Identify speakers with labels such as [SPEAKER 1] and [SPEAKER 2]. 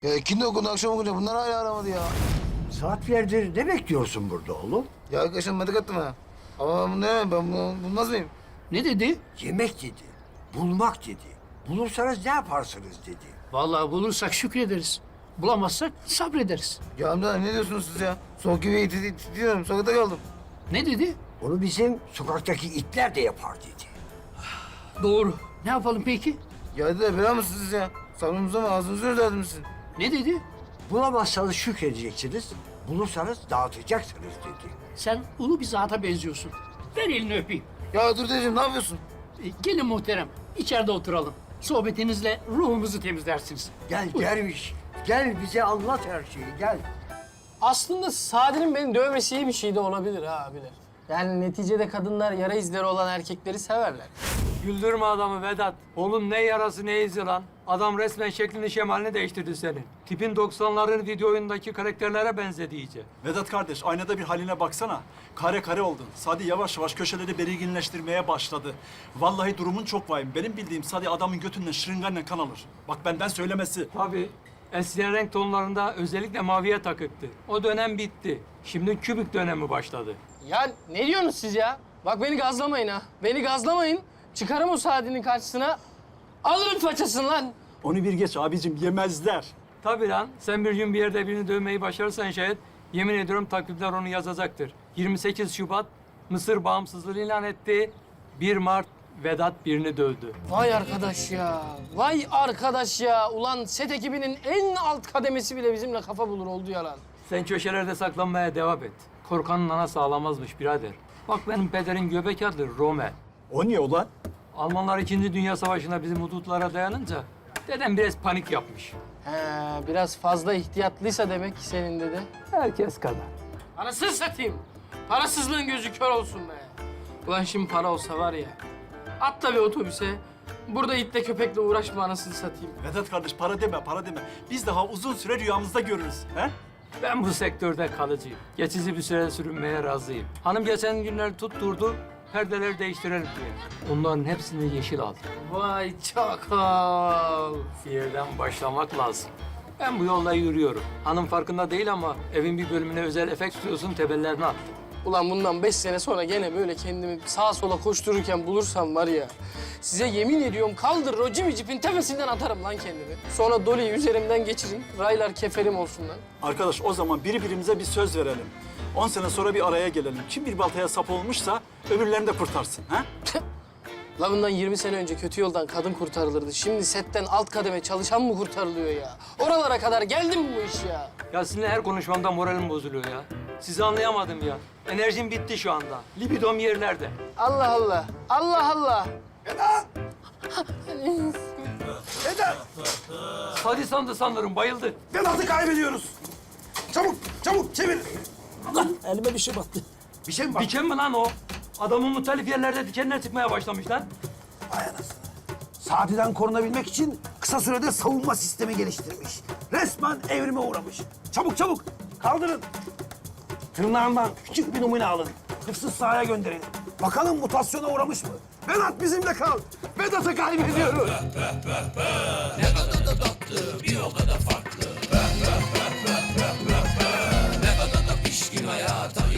[SPEAKER 1] Ya ikindi okundu akşam okunca bunlar hala aramadı ya.
[SPEAKER 2] Saatlerdir ne bekliyorsun burada oğlum?
[SPEAKER 1] Ya arkadaşım medik attım ha. Ama ben bunu yemem, ben bunu bulmaz mıyım?
[SPEAKER 3] Ne dedi?
[SPEAKER 2] Yemek dedi, bulmak dedi. Bulursanız ne yaparsınız dedi.
[SPEAKER 3] Vallahi bulursak şükrederiz. Bulamazsak sabrederiz.
[SPEAKER 1] Ya amca ne diyorsunuz siz ya? Soğuk gibi titriyorum, sokakta kaldım.
[SPEAKER 3] Ne dedi?
[SPEAKER 2] Onu bizim sokaktaki itler de yapar dedi.
[SPEAKER 3] Doğru. Ne yapalım peki?
[SPEAKER 1] Ya dediler bela mısınız siz ya? Sabrımıza mı ağzınızı özledinizsin?
[SPEAKER 3] Ne dedi?
[SPEAKER 2] Bulamazsanız şükredeceksiniz, bulursanız dağıtacaksınız dedi.
[SPEAKER 3] Sen ulu bir zata benziyorsun. Ver elini öpeyim.
[SPEAKER 1] Ya dur dedeciğim ne yapıyorsun?
[SPEAKER 3] Gelin muhterem. İçeride oturalım. Sohbetinizle ruhumuzu temizlersiniz.
[SPEAKER 2] Gel derviş, gel bize anlat her şeyi, gel.
[SPEAKER 4] Aslında Sadi'nin beni dövmesi iyi bir şey de olabilir ha abiler. Yani neticede kadınlar yara izleri olan erkekleri severler.
[SPEAKER 5] Güldürme adamı Vedat. Onun ne yarası ne izi lan. Adam resmen şeklini şemalini değiştirdi senin. Tipin 90'ların video oyundaki karakterlere benzedi iyice.
[SPEAKER 6] Vedat kardeş, aynada bir haline baksana. Kare kare oldun. Sadi yavaş yavaş köşeleri belirginleştirmeye başladı. Vallahi durumun çok vahim. Benim bildiğim Sadi adamın götünden şırınganla kan alır. Bak benden söylemesi.
[SPEAKER 5] Tabii. Eskiden renk tonlarında özellikle maviye takıktı. O dönem bitti. Şimdi kübik dönemi başladı.
[SPEAKER 4] Ya ne diyorsunuz siz ya? Bak beni gazlamayın ha. Beni gazlamayın. Çıkarım o Sadi'nin karşısına. Alırım façasını lan.
[SPEAKER 6] Onu bir geç abicim, yemezler.
[SPEAKER 5] Tabii lan. Sen bir gün bir yerde birini dövmeyi başarırsan şayet yemin ediyorum takvimler onu yazacaktır. 28 Şubat Mısır bağımsızlığını ilan etti. 1 Mart Vedat birini dövdü.
[SPEAKER 4] Vay arkadaş ya. Vay arkadaş ya. Ulan set ekibinin en alt kademesi bile bizimle kafa bulur oldu ya lan.
[SPEAKER 5] Sen köşelerde saklanmaya devam et. Korkanın anası ağlamazmış birader. Bak benim pederin göbek adı Rome.
[SPEAKER 6] O niye ulan?
[SPEAKER 5] Almanlar 2. Dünya Savaşı'nda bizim hudutlara dayanınca dedem biraz panik yapmış.
[SPEAKER 4] He, biraz fazla ihtiyatlıysa demek ki senin dede.
[SPEAKER 5] Herkes kadar.
[SPEAKER 4] Anasını satayım. Parasızlığın gözü kör olsun be. Ulan şimdi para olsa var ya. Atla bir otobüse. Burada itle köpekle uğraşma anasını satayım.
[SPEAKER 6] Vedat kardeş, para deme, para deme. Biz daha uzun süre rüyamızda görürüz. He?
[SPEAKER 5] Ben bu sektörde kalıcıyım. Geçici bir süre sürünmeye razıyım. Hanım geçen günler tutturdu, perdeleri değiştirelim diye. Onların hepsini yeşil aldı.
[SPEAKER 4] Vay çakal.
[SPEAKER 5] Bir yerden başlamak lazım. Ben bu yolda yürüyorum. Hanım farkında değil ama evin bir bölümüne özel efekt stüdyosunun tebellerini attım.
[SPEAKER 4] Ulan bundan 5 sene sonra gene böyle kendimi sağa sola koştururken bulursam var ya... Size yemin ediyorum kaldırır o cipin tepesinden atarım lan kendimi. Sonra Dolly'yi üzerimden geçirin. Raylar keferim olsun lan.
[SPEAKER 6] Arkadaş o zaman birbirimize bir söz verelim. 10 sene sonra bir araya gelelim. Kim bir baltaya sap olmuşsa öbürlerini de kurtarsın. Ha?
[SPEAKER 4] La bundan 20 sene önce kötü yoldan kadın kurtarılırdı. Şimdi setten alt kademe çalışan mı kurtarılıyor ya? Oralara kadar geldi mi bu iş ya?
[SPEAKER 5] Ya sizinle her konuşmamda moralim bozuluyor ya. Sizi anlayamadım ya. Enerjim bitti şu anda. Libidom yerlerde.
[SPEAKER 4] Allah Allah. Allah Allah.
[SPEAKER 5] Hadi sandı sanırım, bayıldı.
[SPEAKER 7] Vedat'ı kaybediyoruz. Çabuk, çabuk çevir.
[SPEAKER 3] Elime bir şey battı.
[SPEAKER 7] Bir şey mi var?
[SPEAKER 5] Diken mi lan o? Adamın muhtelif yerlerde dikenler çıkmaya başlamış lan.
[SPEAKER 7] Sadi'den korunabilmek için kısa sürede savunma sistemi geliştirmiş. Resmen evrime uğramış. Çabuk çabuk kaldırın. Tırnağından küçük bir numune alın. Hırsız sahaya gönderelim. Bakalım mutasyona uğramış mı? Vedat bizimle kal. Vedat'ı kaybediyoruz.
[SPEAKER 8] Ne kadar da tatlı, bir o kadar farklı. Ne kadar da pişkin hayata